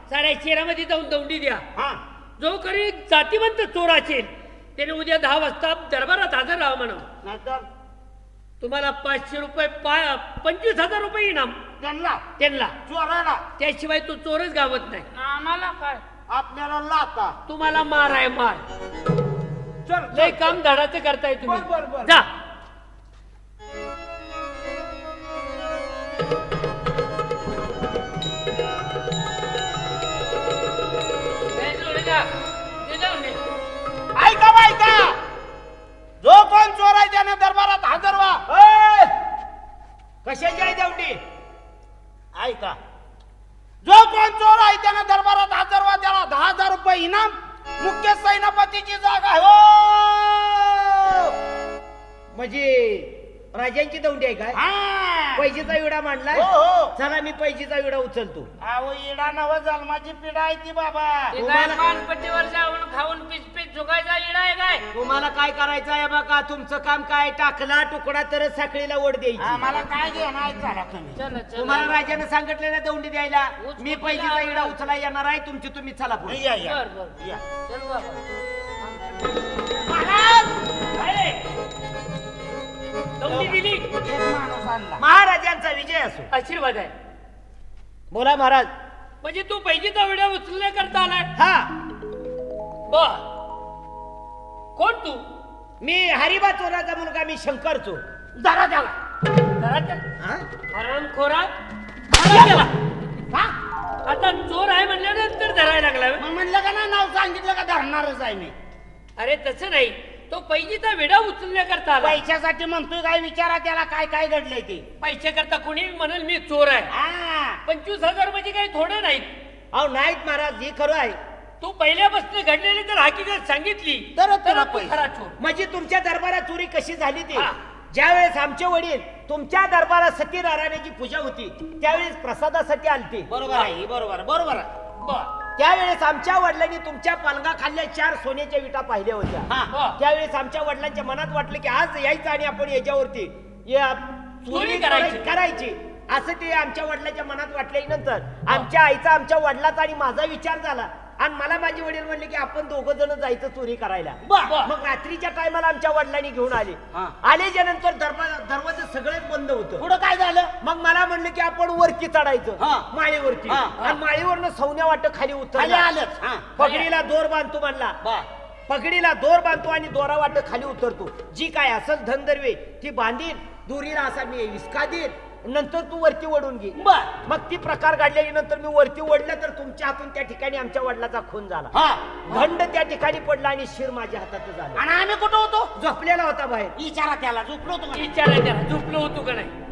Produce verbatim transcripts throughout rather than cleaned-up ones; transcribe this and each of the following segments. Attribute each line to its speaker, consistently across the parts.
Speaker 1: साऱ्या शहरामध्ये जाऊन दौंडी द्या.
Speaker 2: हा
Speaker 1: जो करी जातीवंत चोर असेल त्याने उद्या दहा वाजता दरबारात हजर राहा म्हणा.
Speaker 2: नाहीतर
Speaker 1: तुम्हाला पाचशे रुपये पा पंचवीस हजार रुपये इनाम
Speaker 2: त्यांना
Speaker 1: त्यांना.
Speaker 2: चोराला
Speaker 1: त्याशिवाय तो चोरच गावत नाही.
Speaker 3: आम्हाला काय
Speaker 2: आपल्याला लाता.
Speaker 1: तुम्हाला मार आहे मार.
Speaker 2: चल
Speaker 1: लय काम धडाचं करताय
Speaker 2: बर, बर, बर.
Speaker 1: तुम्ही. जा.
Speaker 2: ऐका ऐका जो कोण चोर आहे त्याने दरबारात हजर व्हा. कशाची आहे दौंडी? ऐका जो कोण चोर आहे त्याने दरबारात हजर व्हा. त्याला दहा हजार रुपये इनाम. मुख्य सेनापतीची जागा हो. म्हणजे राजांची दौंडी आहे काय? पैजेचा विडा मांडलाय.
Speaker 3: हो हो
Speaker 2: चला मी पैजेचा विडा उचलतो.
Speaker 3: अहो इडा नव जन्माची पिढा आहे ती बाबा.
Speaker 1: ते काय पानपट्टीवर जाऊन खाऊन पीच पीच झुकायचा इडा आहे काय?
Speaker 2: तुम्हाला काय करायचं आहे बघा. तुमचं काम काय? टाकला तुकडा तर साखळीला ओढ द्यायची.
Speaker 3: आम्हाला काय घेणार झाला तुम्ही?
Speaker 1: चला चला.
Speaker 2: तुम्हाला राजाने सांगितलं ना दौंडी द्यायला.
Speaker 1: उच-
Speaker 2: मी
Speaker 1: उच-
Speaker 2: पैजेचा
Speaker 1: उच-
Speaker 2: विडा उचला येणार आहे. तुमची तुम्ही चला पुढे.
Speaker 3: या या
Speaker 1: बर बर
Speaker 3: या.
Speaker 1: चल बाबा. दौंडी दिली.
Speaker 3: एक माणूस आणला.
Speaker 2: महाराजांचा विजय असो.
Speaker 1: आशीर्वाद आहे.
Speaker 2: बोला महाराज.
Speaker 1: म्हणजे तू पैजेचा विडा उचलण्याकरता आलाय.
Speaker 2: हा
Speaker 1: बर. कोण तू?
Speaker 2: मी हरिबा चोराचा मुलगा. मी शंकर चोर.
Speaker 1: जरा त्याला जरा
Speaker 2: हा?
Speaker 1: हरणखोरा धरा त्याला. हा? आता चोर आहे म्हणल्यानंतर धरायला लागला व्हय?
Speaker 3: मग म्हणलं का ना नाव सांगितलं का धरणारच आहे मी.
Speaker 1: अरे तसं नाही. तो पैजेचा विडा उचलण्याकरता आला.
Speaker 3: पैशासाठी म्हणतोय काय? विचारा त्याला काय काय घडलंय ते.
Speaker 1: पैशाकरता कोणी म्हणेल मी चोर आहे.
Speaker 3: हा
Speaker 1: पंचवीस हजार म्हणजे काही थोडे नाहीत.
Speaker 2: अहो नाहीत महाराज. हे खरं आहे.
Speaker 1: तू पहिल्यापासून घडलेली जर हकीकत सांगितली
Speaker 3: तर
Speaker 1: तर
Speaker 3: तुला
Speaker 1: तू
Speaker 3: पैसे.
Speaker 1: खरा चोर.
Speaker 2: म्हणजे तुमच्या दरबारात चोरी कशी झाली ती?
Speaker 1: हा.
Speaker 2: ज्या वेळेस आमचे वडील तुमच्या दरबारात सत्यनारायणाची पूजा होती त्यावेळेस प्रसादासाठी आलते.
Speaker 3: बरोबर आहे बरोबर बरोबर आहे.
Speaker 1: बर
Speaker 2: त्यावेळेस आमच्या वडिलांनी तुमच्या पालगा खाल्ल्या चार सोन्याच्या विटा पाहिल्या होत्या.
Speaker 3: हा.
Speaker 1: बर.
Speaker 2: त्यावेळेस आमच्या वडिलांच्या मनात वाटलं की आज यायचं आणि आपण याच्यावरती या
Speaker 1: चोरी
Speaker 2: चोरी
Speaker 1: करायची.
Speaker 2: करायची असं ते आमच्या वडिलांच्या मनात वाटल्यानंतर आमच्या आईचा आमच्या वडिलाचा आणि माझा विचार झाला आणि मला माझे वडील म्हणले की आपण दोघं जण जायचं चोरी करायला.
Speaker 1: बर.
Speaker 2: मग रात्रीच्या टायमाला आमच्या वडिलांनी घेऊन आले.
Speaker 3: हा.
Speaker 2: आल्याच्या नंतर दरवाजा दरवाजा सगळेच बंद होतं.
Speaker 3: पुढं काय झालं?
Speaker 2: मग मला म्हणलं की आपण वरती चढायचं.
Speaker 3: हा.
Speaker 2: माळीवरती.
Speaker 3: हा.
Speaker 2: आणि माळीवरनं सौन्या वाटत खाली
Speaker 3: खाली
Speaker 2: उतरलं.
Speaker 3: आलंच. हा
Speaker 2: पगडीला दोर बांधतो म्हणला.
Speaker 3: बा
Speaker 2: पगडीला दोर बांधतो आणि दोरा वाटत खाली उतरतो. जी काय असल धनदर्वे ती बांधीन. दोरीला असा मी विस्का देईन. नंतर तू वरती ओढून घे.
Speaker 3: बर.
Speaker 2: मग ती प्रकार घडल्याच्या नंतर मी वरती ओढलं तर तुमच्या हातून त्या ठिकाणी आमच्या वडिलाचा खून झाला.
Speaker 3: हा
Speaker 2: दंड त्या ठिकाणी पडला आणि शिर माझ्या हातात झाला.
Speaker 3: आणि आम्ही कुठं होतो?
Speaker 2: झोपलेला होता बाहेर.
Speaker 3: विचारा त्याला. झोपलो होतो का?
Speaker 1: विचाराय त्याला झोपलो होतो का नाही.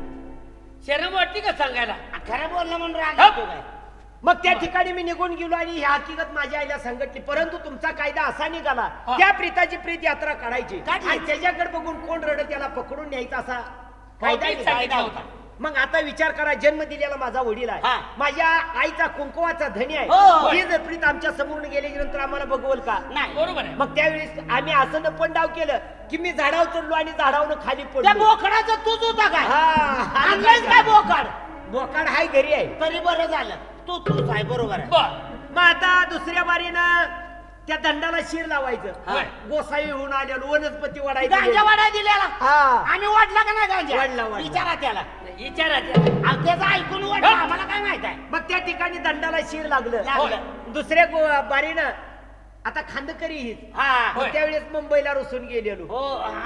Speaker 1: शरम वाटते का सांगायला?
Speaker 3: खरं बोलणं म्हणून राग
Speaker 1: हा.
Speaker 3: येतो काय?
Speaker 2: मग त्या ठिकाणी मी निघून गेलो आणि ही हकीकत माझ्या आईला सांगितली. परंतु तुमचा कायदा असा निघाला
Speaker 1: हा.
Speaker 2: त्या प्रीताची प्रीत यात्रा काढायची
Speaker 3: काढली.
Speaker 2: आणि त्याच्याकडे बघून कोण रडत त्याला पकडून न्यायचा असा कायदा
Speaker 1: मीच
Speaker 2: निघाला.
Speaker 1: सांगितला होता.
Speaker 2: मग आता विचार करा. जन्म दिलेला माझा वडील आहे.
Speaker 3: हा.
Speaker 2: माझ्या आईचा कुंकवाचा धनी
Speaker 3: हो,
Speaker 2: आहे.
Speaker 3: हो.
Speaker 2: ही जर प्रीत आमच्या समोर गेल्याच्या नंतर आम्हाला बघवल का?
Speaker 3: नाही.
Speaker 1: बरोबर आहे.
Speaker 2: मग त्यावेळेस आम्ही असं न पण डाव केलं की मी झाडावर चढलो आणि झाडावरून खाली
Speaker 3: त्या
Speaker 2: पडलो.
Speaker 3: बोकडाचं तूच होता काय?
Speaker 2: हा.
Speaker 3: आणलंयस काय बोकड?
Speaker 2: बोकाड हाय घरी आहे.
Speaker 3: तरी बरं झालं. तू तूच आहे बरोबर आहे.
Speaker 1: बर.
Speaker 2: मग आता दुसऱ्या बारीनं त्या दंडाला शिर लावायचं.
Speaker 1: होय.
Speaker 2: गोसाई होऊन आलेलो वनस्पती
Speaker 3: गांजा
Speaker 2: वाढायची.
Speaker 3: वाडा दिलेला.
Speaker 2: हा.
Speaker 3: आम्ही वाढला का नाही गांजा?
Speaker 2: वाढला, वाढला.
Speaker 3: विचारा त्याला.
Speaker 1: विचारा त्याला.
Speaker 3: अहो, त्याचं ऐकून वाटलं. आम्हाला काय माहित आहे?
Speaker 2: मग त्या ठिकाणी दंडाला शिर लागलं.
Speaker 3: लागलं.
Speaker 2: होय. दुसऱ्या गो- बारीनं आता खांदकरी हीच.
Speaker 3: हा
Speaker 2: मग
Speaker 1: होय.
Speaker 2: त्यावेळेस मुंबईला रुसून गेलेलो.
Speaker 3: हो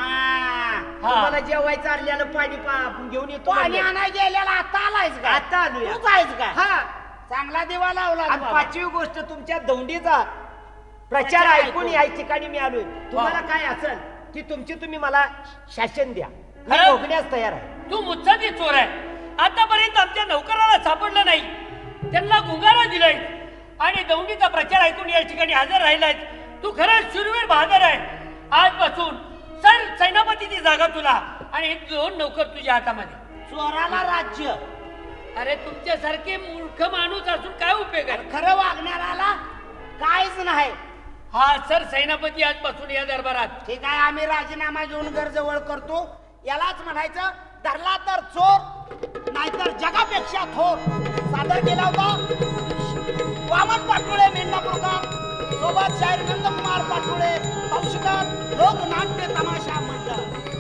Speaker 3: हा
Speaker 2: तुम्हाला जेवायचं आणलेलं पाणी पा- घेऊन येतो
Speaker 3: पाणी
Speaker 2: म्हणलं.
Speaker 3: आणायला गेलेला आता आलायस का?
Speaker 2: आता आलोय.
Speaker 3: तूच आहेस का?
Speaker 2: हा.
Speaker 3: चांगला दिवा लावला
Speaker 2: आणि
Speaker 3: बाबा.
Speaker 2: पाचवी गोष्ट तुमच्या दौंडीचा प्रचार
Speaker 3: प्रचार
Speaker 2: ऐकून
Speaker 3: ऐकून.
Speaker 2: या ठिकाणी मी आलोय. तुम्हाला काय असेल की तुमची तुम्ही मला शासन द्या. मी
Speaker 1: खरं?
Speaker 2: भोगण्यास तयार आहे.
Speaker 1: तू मुत्सदी चोर आहे. आतापर्यंत आमच्या नौकराला सापडलं नाही. त्यांना गुंगारा दिलाय आणि दौंडीचा प्रचार ऐकून या ठिकाणी हजर राहिलाय. तू खरंच शूरवीर बहादर आहे. आजपासून सर सेनापतीची जागा तुला आणि हे दोन नौकर तुझ्या हातामध्ये.
Speaker 3: चोराला राज्य.
Speaker 1: अरे तुमच्यासारखे मूर्ख माणूस असून काय उपयोग आहे?
Speaker 3: खरं वागणाराला काहीच नाही.
Speaker 1: हा सर सेनापती आजपासून या दरबारात.
Speaker 3: ठीक आहे. आम्ही राजीनामा घेऊन घर जवळ करतो. यालाच म्हणायचं धरला तर चोर नाहीतर जगापेक्षा थोर. सादर केला होता वामन वामन पाटोळे मेंढापूरकर सोबत शाहीर नंदकुमार पाटोळे तौशिकर लोकनाट्य तमाशा मंडळ